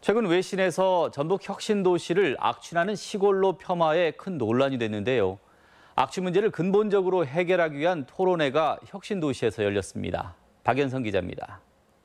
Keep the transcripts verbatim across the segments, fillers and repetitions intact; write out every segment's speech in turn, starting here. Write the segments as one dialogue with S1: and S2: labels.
S1: 최근 외신에서 전북 혁신도시를 악취나는 시골로 폄하해 큰 논란이 됐는데요. 악취 문제를 근본적으로 해결하기 위한 토론회가 혁신도시에서 열렸습니다. 박연성 기자입니다.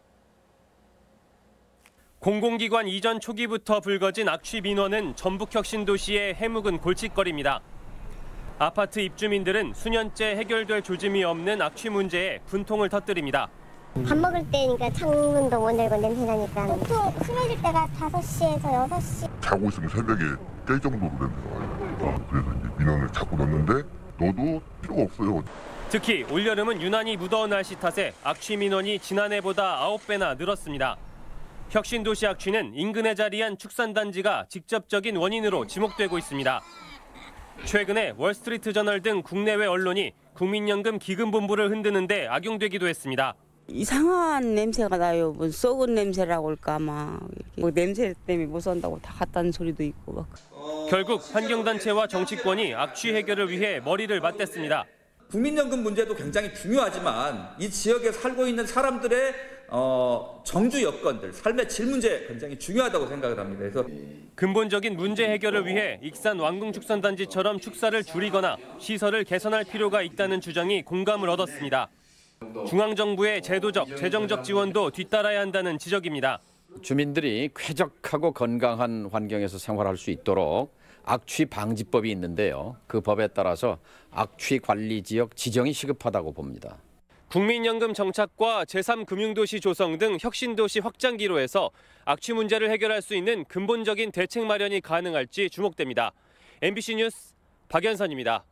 S2: 공공기관 이전 초기부터 불거진 악취 민원은 전북 혁신도시의 해묵은 골칫거리입니다. 아파트 입주민들은 수년째 해결될 조짐이 없는 악취 문제에 분통을 터뜨립니다.
S3: 밥 먹을 때니까 창문도 못 열고 냄새 나니까 보통 흐려질 때가 다섯 시에서 여섯 시.
S4: 자고 있으면 새벽에 깰 정도로 냄새가 와요. 어, 그래서 이제 민원을 자꾸 넣는데 넣어도 필요가 없어요.
S2: 특히 올여름은 유난히 무더운 날씨 탓에 악취 민원이 지난해보다 아홉 배나 늘었습니다. 혁신도시 악취는 인근에 자리한 축산단지가 직접적인 원인으로 지목되고 있습니다. 최근에 월스트리트저널 등 국내외 언론이 국민연금 기금본부를 흔드는 데 악용되기도 했습니다.
S5: 이상한 냄새가 나요. 뭐 썩은 냄새라고 할까 막. 뭐 냄새 때문에 못 산다고 다 갔다는 소리도 있고 막.
S2: 결국 환경단체와 정치권이 악취 해결을 위해 머리를 맞댔습니다.
S6: 국민연금 문제도 굉장히 중요하지만 이 지역에 살고 있는 사람들의 어, 정주 여건들, 삶의 질 문제 굉장히 중요하다고 생각을 합니다. 그래서
S2: 근본적인 문제 해결을 위해 익산 왕궁축산단지처럼 축사를 줄이거나 시설을 개선할 필요가 있다는 주장이 공감을 얻었습니다. 중앙정부의 제도적, 재정적 지원도 뒤따라야 한다는 지적입니다.
S7: 주민들이 쾌적하고 건강한 환경에서 생활할 수 있도록 악취 방지법이 있는데요. 그 법에 따라서 악취 관리 지역 지정이 시급하다고 봅니다.
S2: 국민연금 정착과 제삼 금융도시 조성 등 혁신도시 확장기로 해서 악취 문제를 해결할 수 있는 근본적인 대책 마련이 가능할지 주목됩니다. 엠비씨 뉴스 박연선입니다.